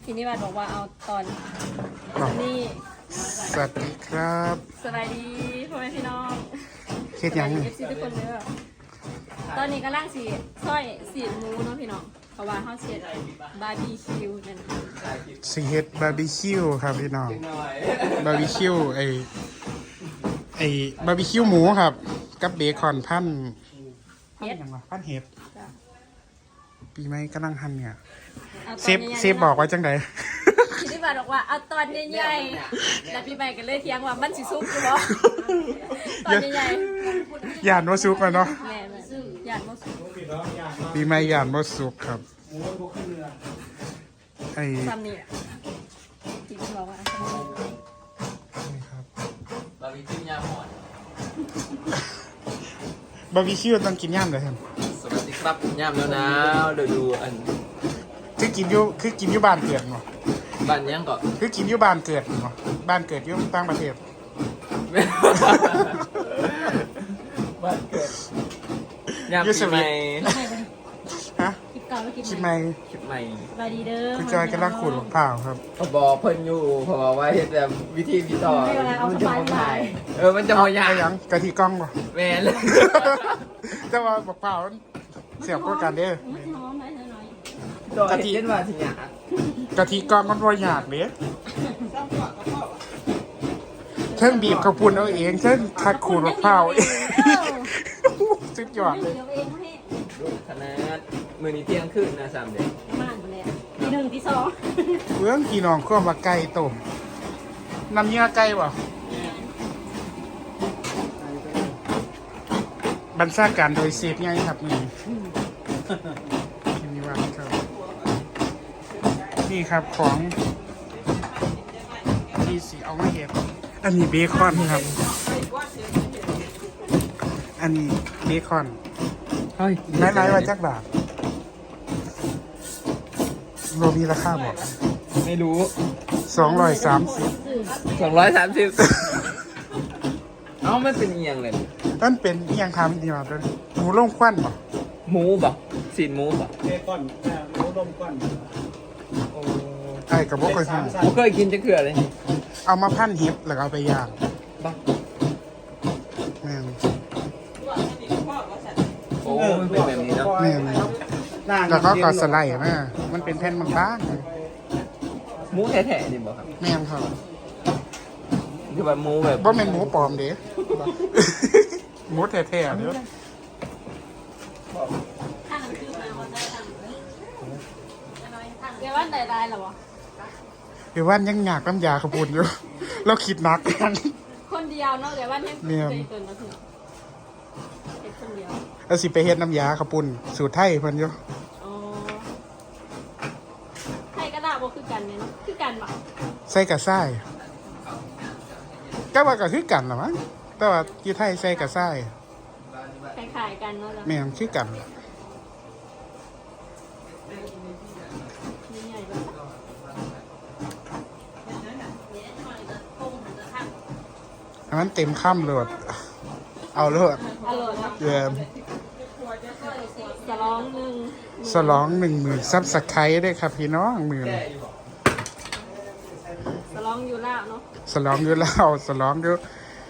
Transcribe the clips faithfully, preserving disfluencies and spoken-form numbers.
พี่นิวัฒน์บอกว่าเอาตอนนี้สวัสดีครับสบายดีพ่อแม่พี่น้องคิดยังเอฟซีทุกคนเด้อตอนนี้กำลังสีซอยสีหมูเนาะพี่น้องเพราะว่าเขาเสียบาร์บีคิวนั่นซีเฮ็ดบาร์บีคิวครับพี่น้องบาร์บีคิวไอไอบาร์บีคิวหมูครับกับเบคอนพันพันยังวะพันเห็ดปีใหม่กำลังหั่นเนี่ยเซฟเซฟบอกไว้จังไดพี่นิวัฒน์บอกว่าเอาตอนใหญ่ๆแล้วพี่ใหม่ก็เลยเถียงว่ามันสิซุกอยู่บ่ตอนใหญ่ๆย่านว่าสุกแล้วเนาะแม่แม่ย่านบ่ซุกปีใหม่ย่านว่าสุกครับไอ้ซ้ำนี่จริงๆบอกว่าซ้ำนี่นี่ครับบาร์บีคิวยาหอนบาร์บีคิวต้องกินย่ามเลยครับสวัสดีครับย่ามแล้วนะเดี๋ยวดูอันคือกินอยู่คือกินอยู่บ้านเกิดเนาะบ้านยังก่อนคือกินอยู่บ้านเกิดเนาะบ้านเกิดอยู่ต่างประเทศบ้านเกิดย่ามปีใหม่ฮะคลิปเก่าแล้วคลิปคิดใหไหมม่คลิปใหม่สบายดีเด้อคุณจอยกำลังขูดมะพร้าวครับเขาบอกเพิ่นอยู่เพราะว่าเฮ็ดแบบวิธีพี่ต่อมันจะมาถ่ายเออมันจะมายาเอายังกะทิกล้องป่ะแม่เลยแต่ว่าบอกเปล่าเสียบกว่ากันเด้อมันหอมไหมหน่อยต่อเฮ็ดว่าสิหยากะทิกล้องมันบ่ยากเด้เชิงบีบข้าวปุ้นเอาเองเชิงทัดขูดมะพร้าวเองสุดยอดเลยเดี๋ยวเองให้ขนาดมื้อนี้เที่ยงคืนนะสามเดือนมากเลยทีหนึ่งทีสองเรื่องพี่น้องก็มาไก่ต้มน้ำเนื้อไก่ป่ะบรรณาการโดยเซฟไงครับนี่นี่ว่าครับนี่ครับของที่สีเอามาเห็ดอันนี้เบคอนครับ อันนี้เบคอนเฮ้ยไม้ไม้วันจักบาทโรมีราคาบอกไม่รู้สองร้อยสามสิบสองร้อยสามสิบเอ้ามันเป็นอีหยังเลยนั่นเป็นอิหยังทำดีมาด้วยหมูล่งควันป่ะหมูบ่สีนหมูบ่เบคอนเอ่อหมูลมก้อนโอ้ไอ้กับพวกเคยสาทมสันผมเคยกินจะเกลือเลยำเอามาพันเห็บแล้วก็เอาไปย่างบ้าแม่นโอ้มันเป็นแบบนี้เนาะแม่นล่างแล้วก็กอดสไลด์แม่มันเป็นแผ่นบางหมูแท้ๆนี่บ่ครับๆแม่นครับคือแบบหมูแบบบ่แม่นหมูปลอมเด้ หมูแท้ๆเด้อข้างคือมาวันได้ทางเดี๋ยววันใดได้หรอวะเดี๋ยววันยังอยากน้ำยาขบุนอยู่ เราคิดหนักกันคนเดียวเนาะเดี๋ยววันให้เนี่ยเคยเกินมาถึงเด็กคนเดียวแล้วสิไปเฮ็ดน้ำยาขบุนสูตรไทยเพิ่นอยู่อ๋อใครก็ได้บ่คือกันเนี่ยเนาะคือกันบ่ใส่กระซ้ายก็ว่าก็คือกันล่ะมั้งแต่ว่าอยู่ไทยใส่กระซ้ายคล้ายๆกันเนาะจ้ะแม่นคือกันนี่ใหญ่เลยอันนั้นเต็มค่ำเลยเอาเลยอร่อยเนาะเยี่ยมสลองหนึ่งสลองหนึ่งหมื่นซับสไครต์ด้วยครับพี่น้องหมื่นสลองอยู่แล้วเนาะสลองอยู่แล้วสลองอยู่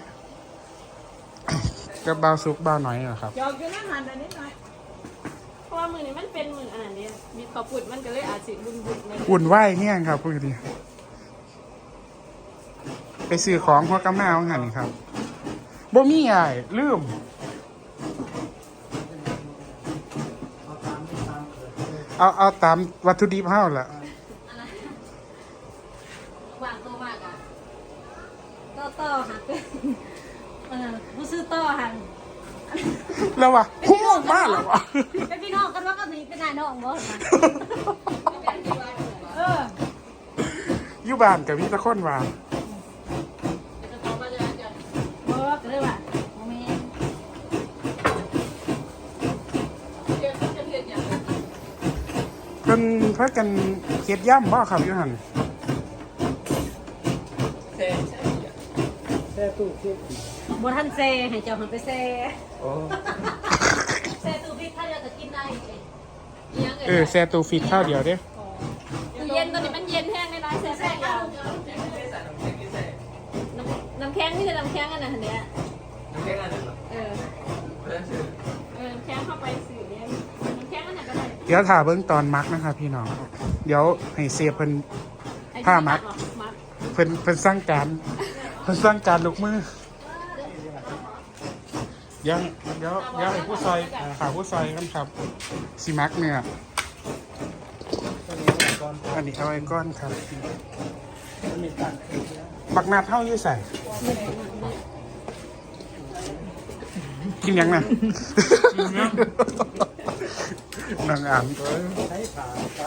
ก็เบาซุกเบาหน่อยเหรอครับยอมอยู่นั่งหันไปนิดหน่อยเพราะว่ามือนี้มันเป็นมืออันนั้นเดียวมีข้าวปุดมันก็เลยอาจสิบุญบุญในอุ่นไหวเนี่ยครับพูดดีไปซื้อของหัวกำแมวหันครับบ่มีอะไรลืมเอาเอาตามวัตถุดิบเฮาล่ะวางตัวมากอ่ะต่อต่อหักเออผู้ซื้อต่อหักแล้ววะฮู้มากแล้ววะเป็นพี่น้องกันว่าก็มีเป็นนายน้องบ่เอออยู่บ้านกับมีแตะคนว่าบ่ก็เลยว่าโมเมนต์เพิ่นเพิ่นกันเฮ็ดย่ำบ่ครับอยู่หั่นแท้ใช่แช่ตู้เก็บบ่ทันเซให้เจ้าหันไปเซโอ้เซตู้พี่ถ้าเดียวจะกินได้เองเออแซ่ตู้ฟิตข้าวเดียวเด้ตู้เย็นตัวนี้มันเย็นย็นแห้งในร้านแซ่บแซ่บยาวน้ำน้ำแข็งนี่จะน้ำแข็งอันนั้นเนี้ยน้ำแข็งอันนั้นเหรอเออเพื่อนซื้อเออน้ำแข็งเข้าไปสื่อเนี่ยน้ำแข็งอันนั้นก็ได้เดี๋ยวถ่าเบิ้งตอนมักนะครับพี่น้องเดี๋ยวให้เสียเพิ่น ผ้ามัดมัดเพิ่นเพิ่นสร้างการเพิ่นสร้างการลูกมือเดี๋ยวเดี๋ยวเดี๋ยวให้ผู้ซอยหาผู้ซอยกันครับสิมักเนี่ยตัวนี้เอาก่อนอันนี้เอาไว้ก้อนครับตัวนี้ตั้งบักนาดเท่าอยู่ใส่กินยังนะนางอ่านใช้ขาครับ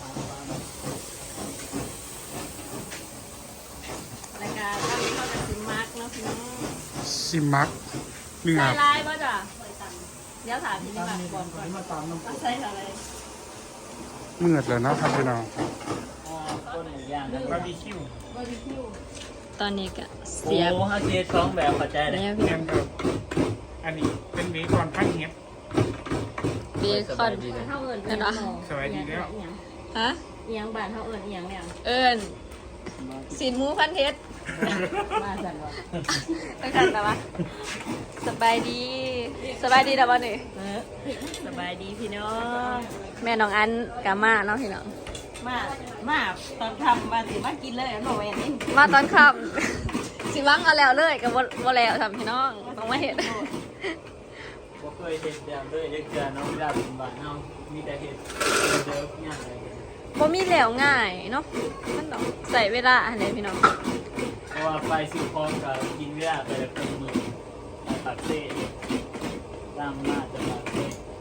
รายการตั้งเข้ากับซิมมาร์กเนาะพี่น้องสิมักเนื้อใส่ลายป่ะจ้ะเดี๋ยวถามพี่นี่มาก่อนก่อนมาตามน้ำเอาใส่อะไรเมื่อเลยเนาะครับพี่น้องต้นหมูย่างบาร์บีคิวบาร์บีคิวตอนนี้ก็โอ้เสียบฮาเกตสองแบบเข้าใจเลยเนี่ยพี่เนียนครับอันนี้เป็นเบคอนพันเฮ็ดเบคอนเท่าเอิญกันเหรอสวัสดีแล้วฮะเอียงบานเท่าเอิญเอียงเนี่ยเอิญสินหมูพันเทศมาสั่นวะตั้งแต่แต่ว่าสบายดีสบายดีแต่ว่านี่สบายดีพี่น้องแม่น้องอันกามาเนาะพี่น้องมามาตอนทำมาสิมากินเลยหนูเองนี่มาตอนค่ำสิวังเอาแล้วเลยกับว่าแล้วทำพี่น้องต้องมาเห็นบ่เคยเห็นแบบด้วยเด็กเกินน้องเวลาเป็นบ้านเฮามีแต่เห็ดเดิมย่างอะไรบ่มีแล้วง่ายเนาะมันต้องใส่เวลาอะไรพี่น้องเพราะว่าไปซื้อของกับกินเวลาไปแล้วเป็นมือไปปักเซ่ตามมาจะปักเซ่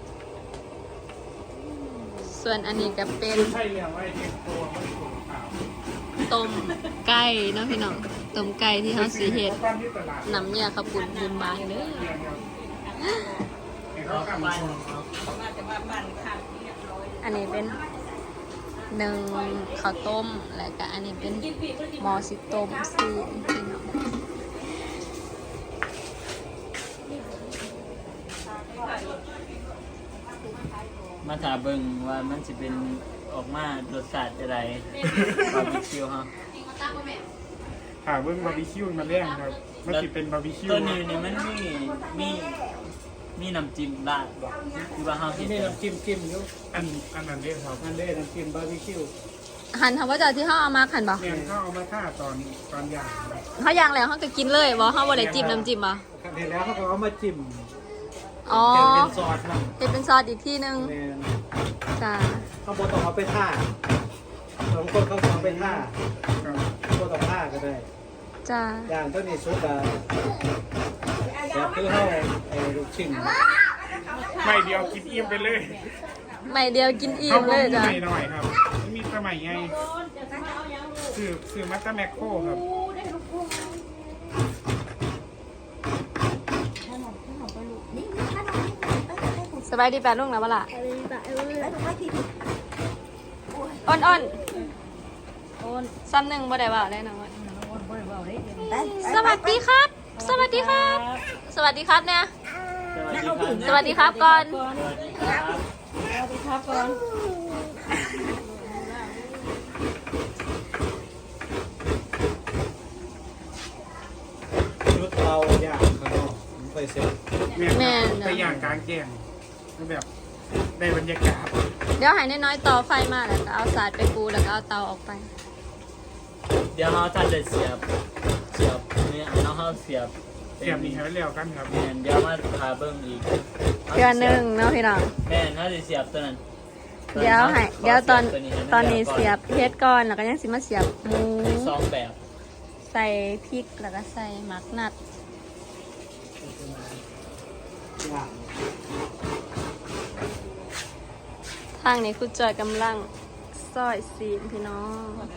ส่วนอันนี้ก็เป็นใช่เรียกว่าเฮ็ดตัวมันถูกขาวต้มไก่เนาะพี่น้องต้มไก่ที่เขาสีเห็ดบ้านที่ตลาดน้ำเนี่ยขับปุ่นบุญบานเด้อเรียนครับเห็นก็เขาบ้านทำของเขามาจะมาบ้านข้างเรียบร้อยอันนี้เป็นหนึ่งข้าวต้มแล้วก็อันนี้เป็นหมอสิต้มซีพี่น้องมาถามเบิ่งว่ามันจะเป็นออกมารสชาติอะไรบาร์บีคิวฮะหาเบิ้งบาร์บีคิวมาแล้งครับมันสิเป็นบาร์บีคิวตัวนี้นี่มันมีมีมีน้ำจิ้มราดบ่คือว่าเฮาที่เฮ็ดนี่น้ำจิ้มจิ้มอยู่อันอันนั้นเด้ครับนั่นเด้น้ำจิ้มบาร์บีคิวหันทำว่าจะที่เขาเอามาขันบ่เนี่ยเขาเอามาท่าตอนตอนย่างครับเขาย่างแล้วเขาก็กินเลยบ่เขาบ่ได้จิ้มน้ำจิ้มบ่เห็นแล้วเขาก็เอามาจิ้มอ๋อแกงเป็นซอสนะจะเป็นซอสอีกที่นึงแม่นจ้าเขาบอกต้องเอาไปท่าบางคนเขาต้องเอาไปท่าครับก็ต้องท่าก็ได้จ้าอย่างตัวนี้ซุปอะแบบคือเขาไอ้ลูกชิ้นไม่เดียวกินอิ่มไปเลยไม่เดียวกินอิ่มเลยจ้าไม่หน่อยครับไม่มีสมัยไงคือคือมัตตาแมคโครครับสบายดีแปดลูกนะบ้าล่ะอ้อนอ้อนซ้ำหนึ่งบ่ได้บ่าวได้นะว่าสวัสดีครับ สวัสดีครับ สวัสดีครับเนี่ยสวัสดีครับสวัสดีครับก่อนสวัสดีครับสวัสดีครับก่อนชุดเตาย่างข้างนอกผมไปเสร็จแม่นครับไปย่างกลางแจ้งแบบได้บรรยากาศเดี๋ยวใหายน้อยๆต่อไฟมาแล้วก็เอาสาดไปปูแล้วก็เอาเตาออกไปเดี๋ยวเฮาท่านจะเสียบเสียบเนี่ยเนาะเฮาเสียบเสียบนี่ให้แล้วกันครับแม่นเดี๋ยวมาพาเบิ่งอีกเดือนหนึ่งเนาะพี่น้องแม่นเฮาสิเสียบตัวนั้นเดี๋ยวให้เดี๋ยวตอนขให้มัตอนนี้ก่เสียบเพชรก่อนแล้วก็ยังสิมาเสียบหมูสองแบบใส่พริกแล้วก็ใส่หมักนัดย่างทางนี้คุณจอยกำลังซอยซีนพี่น้อง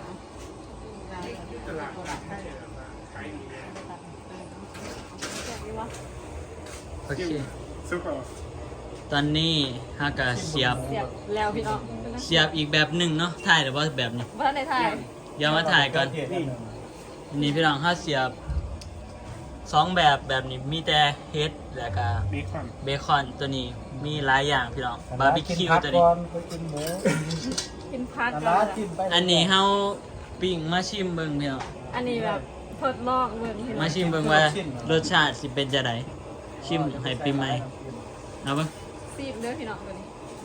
โอเคซุปเอาตอนนี้ฮากะเสียบเสียบแล้วพี่น้องเสียบอีกแบบหนึ่งเนาะถ่ายแต่ว่าแบบนี้ว่าในไทยเดี๋ยวมาถ่ายก่อนนี่อันนี้พี่น้องถ้าเสียบสองแบบแบบนี้มีแต่เฮดแล้วก็เบคอนเบคอนตัวนี้มีหลายอย่างพี่น้องบาร์บีคิวตัวนี้ก่อนไปกินหมูกินพักอันกันั้นนจิ้มไปอันนี้เฮาปิ้งมาชิมเบิ่งเพียวอันนี้แบบทดลองเบิ่งพี่น้มาองชิมเบิ่งว่ารสชาติสิเป็นจะไดชิมให้ปีใหม่เอาเบิ่งซีบเด้อพี่น้องตัวนี้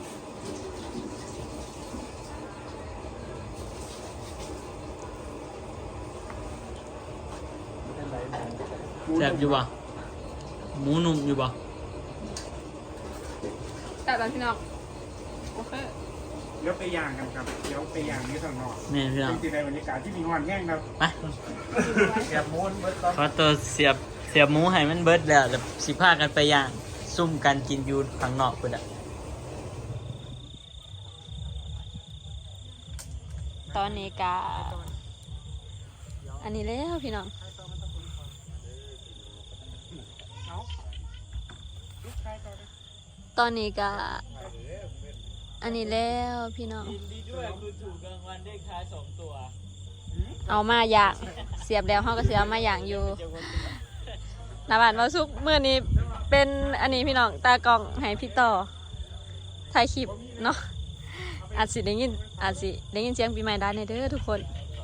แซ่บอยู่บ่หมูนุ่มอยู่บ่แต่ตอนพี่น้องโอเคเดี๋ยวไปย่างกันครับเดี๋ยวไปย่างนี่ข้างนอกแม่นพี่น้องจริงๆในบรรยากาศที่มีงอนแห้งครับไปแกบมูนเบิดก่อนขอตัวเสียบเสียบหมูให้มันเบิดแล้วแล้วสิพากันไปย่างซุ่มกันกินอยู่ข้างนอกพุ่นอ่ะตอนนี้กาอันนี้แล้วพี่น้องตอนนี้กาอันนี้แล้วพี่น้องยินดีด้วยคุณถูกรางวัลเลขท้ายสองตัวเอามาอย่างเสียบแล้วเขาก็เสียมาอย่างอยู่หนาบานว่าซุกเมื่อนี้เป็นอันนี้พี่น้องตากล้องให้พี่ต่อถ่ายคลิปเนาะอาจสิได้ยินอาจสิได้ยินเสียงปีใหม่ได้ในเด้อทุกคน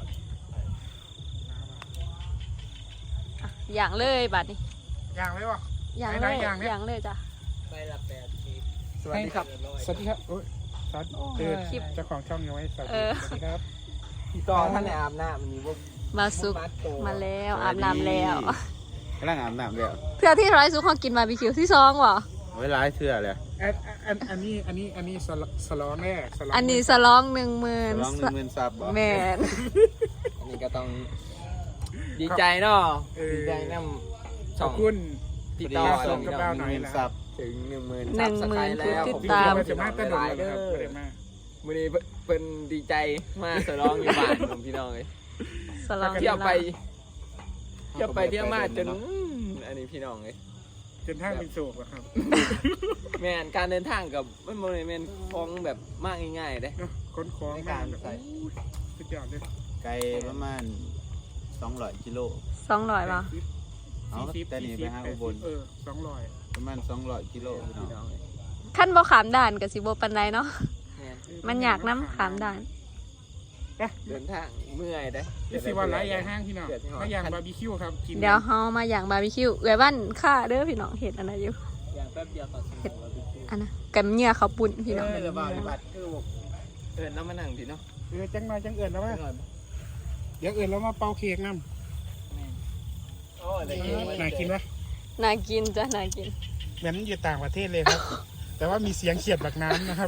อ่ะอย่างเลยบัดนี้ย่างไว้ป่ะอย่างไหนเลยๆอย่างเนี่ยอย่างเลยจ้ะใบละแปดสิบสวัสดีครับสวัสดีครับโอ้ยสวัสดีเออคลิปเจ้าของช่องยังไว้สวัสเอดีอสวัสดีครับพี่ต่อท่านในอาบน้ำมันมีพวกมาซุกมาแล้วอาบน้ำแล้วกำลังอาบน้ำแล้วเพื่อที่ร้อยซุกเขากินบาร์บีคิวที่ซองวะไว้ร้ายเทื่อเลยอันอันอันนี้อันนี้อันนี้สลสลองแน่สลองอันนี้สลองหนึ่งหมื่นร้องหนึ่งหมื่นซับบ่แมนอันนี้ก็ต้องดีใจเนาะดีใจน้ำขอบคุณพี่ต่อส่งกับเราหหน่นึ่อยงหมื่นนะซับถึงหนึ่งหมื่นหนึ่งหมื่นแล้วผู้ผมติดตามจะมาตะลุยเลยครับไม่ได้มาวันนี้เป็นดีใจมาสร้องอยู่บ้านผมพี่น้องเลยสลองเที่ยวไปเที่ยวไปเที่ยวมาจนอืมอันนี้พี่น้องเลยจนทางเป็นโศกอะครับแมนการเดินทางกับมันโมเมนต์คล้องแบบมากง่ายๆเด้เนาะค้นคล้องมากแบบสุดยอดเลยไกลประมาณสองร้อยกิโลสองร้อยป่ะเอาสี่สิบแต่นี่ไปหาอุบลเออสองร้อยประมาณสองร้อยกิโลพี่น้องพี่น้องเลยขั้นบ่ขามด่านกับสิบ่ปันไดเนาะแมนมันอยากน้ำขามด่านเดินทางเมื่อยเด้ยี่สิบวันไรยางห้างพี่น้องถ้ายางบาร์บีคิวครับกินเดี๋ยวเฮามาอย่างบาร์บีคิวเอ้ยบ้านข้าเด้อพี่น้องเห็ดอันไหนอยู่อย่างแป๊บเดียวต่อสิบอันนะกับเหงื่อเขาวปุ่นพี่น้องเออระบายบัตรคือบอกเอินแล้วมานั่งพี่เนาะเออจังมาจังเอิญแล้วว่าหน่อยเดี๋ยวเอิญแล้วมาเป่าเค้กน้โอ้ยได้ยินำน่ากินปะน่ากินจ้ะน่ากินเหมือนอยู่ต่างประเทศเลยครับ แต่ว่ามีเสียงเขียดบักน้ำนะครับ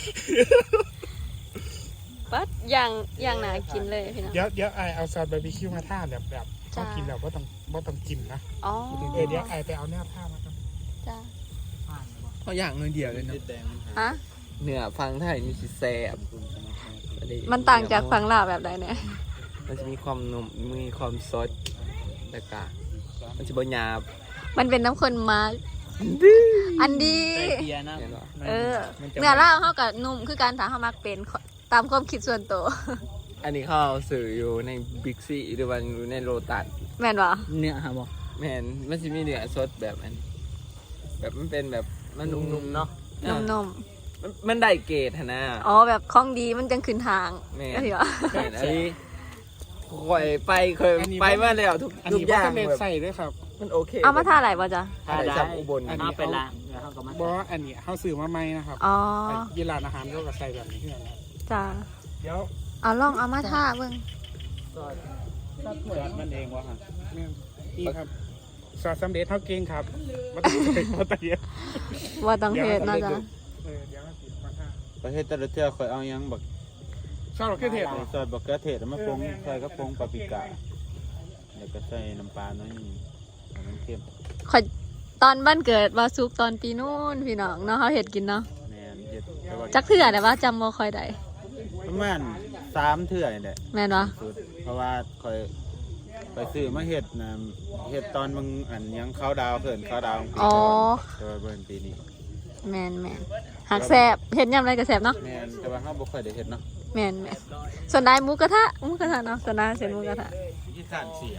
ปัดอย่างอย่างน่ากินเลยพี่น้องเดี๋ยวเดี๋ยวไอเอาซอสบาร์บีคิวมาท่าแบบแบบจ้าเขากินแล้วก็ต้องก็ต้องกินนะอ๋อเออเดี๋ยวไอไปเอาเนื้อผ้ามาครับจ้าเขาอย่างเงินเดียวเลยเนาะติดแดงมันหาฮะเนื้อฟังไทยมีสิแซ่บมันต่างจากฝั่งลาวแบบใดเนี่ยมันจะมีความนุ่มมีความซดแล้วก็มันจะบหยาบมันเป็นน้ำข้นมาอันดีใส่เกียร์นะเห็นปะเออเนื้อลาวเขากับนุ่มคือการถามเขามักเป็นตามความคิดส่วนตัวอันนี้เขาเอาสื่ออยู่ในบิ๊กซีหรือว่าอยู่ในโลตัสแม่นบ่เนื้อฮะบอกแม่นมันจะมีเนื้อสดแบบอันแบบมันเป็นแบบมันนุ่มๆเนาะนุ่มมันมันได้เกรดหั่นนะๆอ๋อแบบของดีมันจังขึ้นทางแม่ก็ถือว่าแม่นอันนี้คอยไปเคยไปมาแล้วทุกอันทุกนี้อว่าย่างจะเล็ดแบบใส่ด้วยครับมันโอเคเอามาท่าไหนบ่จ้ะถ้าได้สับอุบลเอาไปล้างแล้วเขาก็มาบออันนี้เขาซื้อมาใหม่นะครับอ๋อไอ้ยี่ร้านอาหารเขาก็ใส่แบบนี้เพื่อนนะครับจ้าเดี๋ยวเอาลองเอามาท่าเบิ่งซอสมันเองวะฮะเนี่ยนี่ครับซอสสำเร็จเท่าเก่งครับมาต้องใส่มาตะเกียบว่าต้องเฮ็ดเนาะจ้ะเออเดี๋ยวมาติดมาท่าประเทศแต่ละเทื่อคอยเอาหยังบักซอสมะเขือเทศเหรอซอสบักเกอเทศแล้วมาปรุงใส่กระปรุงปาปริก้าแล้วก็ใส่น้ำปลาหน้อยหนึงให้มันเค็มขอยตอนบ้านเกิดว่าซุกตอนปีนู้นพี่น้องเนาะเขาเฮ็ดกินเนาะแม่นเฮ็ดแต่ว่าจักเทื่อได้ว่าจำบ่ค่อยได้ประมาณสามเทื่อนี่แหละแม่นบ่สุดเพราะว่าคอยไปซื้อมาเฮ็ดนะเฮ็ดตอนมึงอันยังเขาดาวเพิ่นเขาดาวปีอ๋อก่อนแต่ว่าเบิ่นปีนี้แม่นแม่นหักแซ่บเฮ็ดยามใดก็แซ่บเนาะแม่นแต่ว่าเฮาบ่ค่อยได้เฮ็ดเนาะแม่นแม่นส่วนนายหมูกระทะหมูกระทะเนาะส่วนนายเส้นหมูกระทะที่ขานเสีย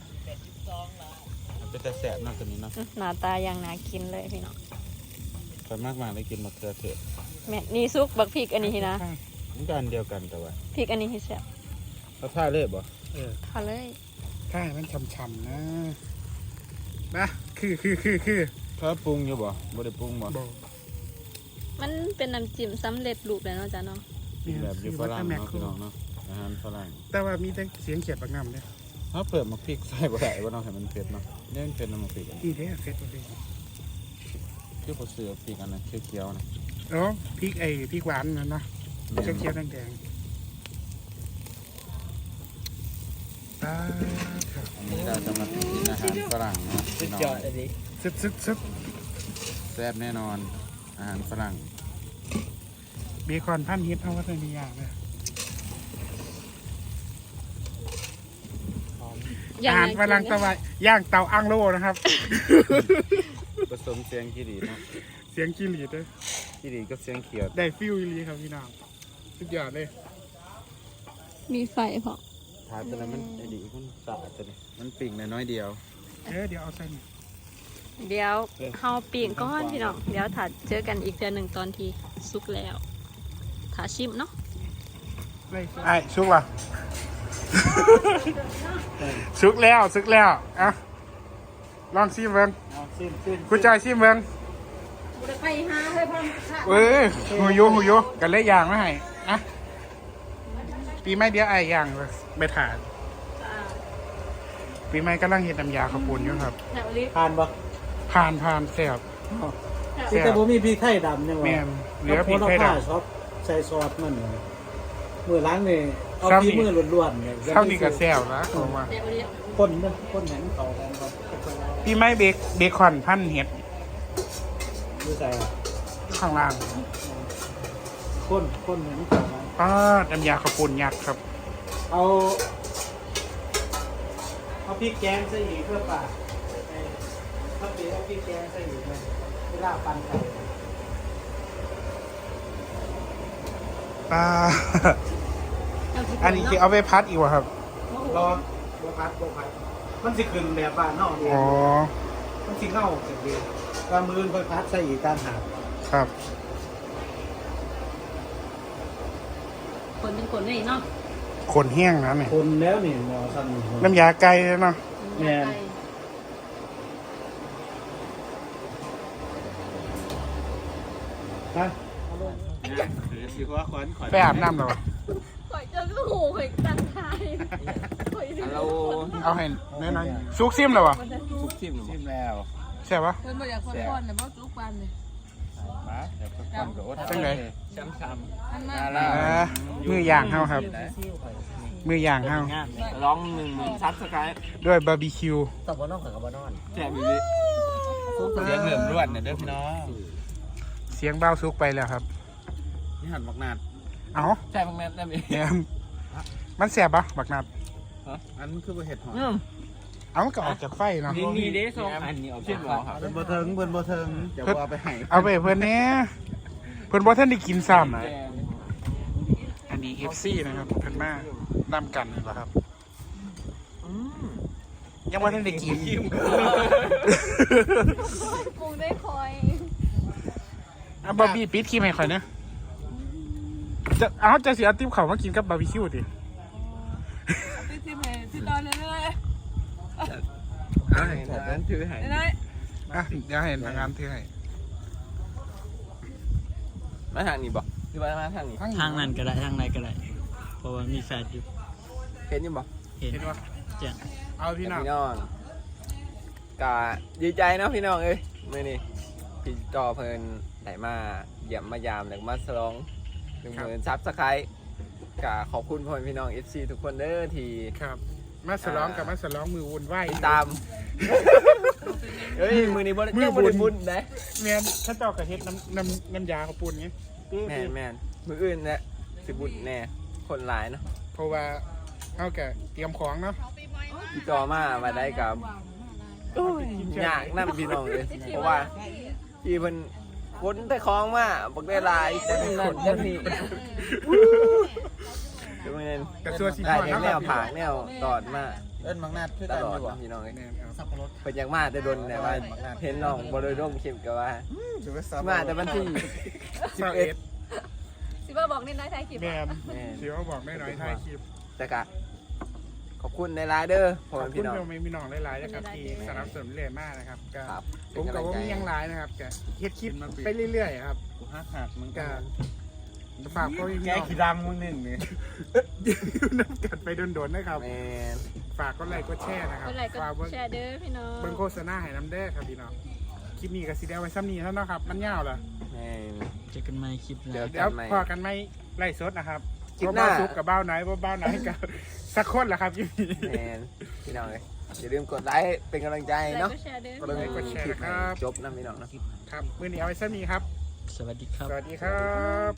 มันเป็นแต่แสบเนาะตัวนี้เนาะอื้อหน้าตาอย่างน่ากินเลยพี่น้องส่วนมากมาได้กินมะเขือเทศแม่นนี่ซุกบักพริกอันนี้นะมันก็อันเดียวกันแต่ว่าพริกอันนี้ให้แซ่บเขาท่าเลยบ่เออพอเลยถ้าให้มันช่ำๆนะนะคือคือคือคือเขาปรุงอยู่บ่บ่ได้ปรุงบ่บอกมันเป็นน้ำจิ้มสำเร็จรูปแล้วเนาะจ้ะเนาะกินแบบอยู่ฝรั่งแม็กเนาะคืพี่อน้องเนาะอาหารฝรั่งแต่ว่ามีแต่เสียงเขียดบักน้ำเนี่ยเขาเปิดมาพริกใส่บ่ได้บ่เนาะให้มันเผ็ดเนาะเนี่ยมันเผ็ดน้ำมันพริกอะดีเด้อเสร็จเลยคือบ่ซื้อพริกอันนั้นเขียวๆนะอ๋อพริกไอ้พริกหวานนั่นเนาะแม่นเขียวๆแดงๆตาครับอันนี้เราจะมากินอาหารฝรั่งเนาะสุพี่ดน้องยอดเลยดิซึบซึบซึบแซ่บแน่นอนอาหารฝรั่งเบคอนพันฮิตเอาวัตถุดิบอย่างเลย อาหารฝรั่งตะวันย่างเตาอังโลนะครับผสมเสียงกีรีเนาะเสียงกิริดเลยกีรีกับเสียงเขียวได้ฟิลอีหลีครับพี่น้องสุดยอดเลยมีไฟพอถาตัวนั้นมันไอ้ดีมันสะอาดตัวนี้มันปิ่งน้อยๆเดียวเออเดี๋ยวเอาใส่นี่เดี๋ยวเฮาปีกก้อนพี่น้องเดี๋ยวถ้าเจอกันอีกเดือนหนึ่งตอนที่สุกแล้วถ้าชิมเนาะไอ้สุกละ สุกแล้วสุกแล้วอ่ะลองซิมเบิ้งเอาซิมซิมกูจอยซิมเบิ้งไปหาให้พ่อเอ้ยหูยุหูยุกันเลยย่างมาให้อ่ะปีใหม่เดียวไอ้ย่างเลยไม่ถ่านปีใหม่กำลังเห็ดน้ำยาข้าวปุ้นอยู่ครับแถวนี้ทานบ่ผ่านผ่านแซ่บที่แต่บ่มีพริกไทยดำยังแม่วะนเหลือพริกไทยดำชอบใส่ซอสมันเลยมือล้างนี่เอาซ้ำที่นี่มือล้วนๆเนี่ยเท่านี้ก็แซ่บแล้วผมว่าแถวนี้คนมันคนเห็นเขากันครับปีใหม่เบคเบคอนพันเห็ดดูใส่ข้างล่างคนคนเห็นเขากันป้าดน้ำยาข้าวปุ้นยักษ์ครับเอาเอาพริกแกงใส่อีกเพื่อปาดไอ้ถ้าเปเอาพริกแกงใส่อีกเลยเวลาปั่นไข่ป้าอันนี้คือเอาไปพัดอีกวะครับรอบัวพัดบัวพัดมันสิขึ้นแบบบ้านนอกเดียอ๋อมันสิเข้าเสร็จดีกระมือบัวพัดใส่อีกการหาครับคนเป็นคนนี่เนาะขนแห้งนะเนี่ยคนแล้วนี่หมอสั่นน้ำยาไก่เลยเนาะแม่น ฮะสิว่าขวัญขวัญไปอาบน้ำเหรอข่อยเจอก็หูข่อยตั้งทายข่อยสิเราเอาให้น้อยๆซุกซิมเหรอวะทุกทิมหรือชิมแล้วใช่ปะเพิ่นบ่อยากคนๆน่ะบ่จุกปานนี่มาเดี๋ยวก็คนก็อดจังไดช้ำช้อันมาลาอ่ามือย่างเฮาครับ มือย่างเฮาำร้องหนึ่งหมื่นซับสไครต์ด้วยบาร์บีคิวแจกอีกเสียงเหลื่อมรวดเนี่ยเด้อพี่น้องเสียงเบ้าซุกไปแล้วครับนี่หันมักนาดเอาใช่บางแม่ได้ไหมเนี่ยมันแสบปะบักนัดอันคือบ่เห็ดหอมเอามันก็ออกจากไฟเนาะนี่นี่เด้สองอันนี้เอาเช่นหรอครับเพิ่นบ่เทิงเพิ่นบ่เทิงเดี๋ยวเอาไปให้เอาไปให้เพื่อนเนี้ยเพื่อนบ่ท่านได้กินซ้ำอันนี้ เอฟ ซี นะครับเพื่อนมานำกันเหรอครับยังบ่ท่านได้กินปรุงได้คอยอ่ะบาร์บี้ปิดคลิปให้ข่อยนะจะเอาจะเสียติ๊บเขามากินกับบาร์บีคิวดิพี่สิให้ที่ตอนนั้นเลยเอาให้นั้นถือให้ได้อ่ะเดี๋ยวให้ทางงานถือให้มาทางนี้บ่หรือว่ามาทางนี้ทางนั้นก็ได้ทางไหนก็ได้ เพราะว่ามีแฟนอยู่เห็นอยู่บ่เห็นเห็นปะแจ้งเอาพี่น้องพี่น้องกะดีใจเนาะพี่น้องเอ้ยมื้อนี้พี่จอเพิ่นได้มาเยี่ยมมายามแล้วก็มาฉลองหนึ่งหมื่นซับสไครต์กะขอบคุณพ่อพี่น้อง เอฟ ซี ทุกคนเด้อที่ครับ มาสลองกับมาสลองมือวุ่นไหวติดตาม เฮ้ย มือนี้บ่ได้มือเจ้าบุบ่ญได้บุญนะแมนถ้าเจ้ากระเฮ็ดน้ำน้ำน้ำยาข้าวปุ้นไงแม่นแม่นมืออื่นเนี่ยสิบุญแน่ คนหลายเนาะเพราะว่าเขาแกเตรียมของเนาะพี่จอมามาได้กับยากนำพี่น้องเลย เพราะว่าพี่เพิ่นคนแต่ของมาบักได้หลายจังนั้นจังนี้ดูเงินกระทรวงสินได้ค้าแนวผากแนวตอดมาเอิ้นมักนาดคือตกันลออดยู่บ่เนาะพี่น้องเอ้ยแม่นครับเป็นอย่างมากแต่โดนแต่ว่าเห็นน้องบ่ได้ร่วมคลิปก็ว่าถือว่าซับมาแต่วันที่สิบเอ็ดสิว่าบอกนิดน้อยถ่ายคลิปแมอะนเดี๋ยวบอกไม่น้อยท้ายคลิปแต่กะขอบคุณในไลน์เด้อพ่อขอบแม่คุพี่ณน้องเราไม่มีน้องหลายๆนะครับที่สนับสนุนเรื่อยมากนะครับก็ครับผมกับว่ามียังหลายนะครับก็เฮ็ดคลิปไปเรื่อยๆครับกูหักหักมึงก็ก็ฝากพ่อพี่แกน้องขี้ดังมึงหนึ่งเนี่ยอยู่น้ำกันไปโดนๆนะครับแมนฝากก็ไลค์ก็แชร์นะครับคนไหนก็ฝากเบิ่งแชร์เด้อพี่น้องเบิ่งโฆษณาให้น้ำเด้อครับพี่น้องคลิปนี้ก็สิได้เอาไว้ซ้ำนี้เท่านั้นครับมันยาวเหรอแมนเจอกันใหม่คลิปหเดี๋น้ายวเดี๋ยวพอกันไหมไล่สดนะครับคลิปหน้าเบ้าซุกกับเบ้าไหนเบ้าไหนกับสักคนแหละครับยี่แมนพี่น้องเลยอย่าลืมกดไลค์เป็นกำลังใจไหนเนาะก็แชร์เด้อเบิ่งกดแชร์คลิปนะครับจบนะพี่น้องเนาะครับมื้อนี้เอาไว้ซ้ำนี้ครับสวัสดีครับสวัสดีครับ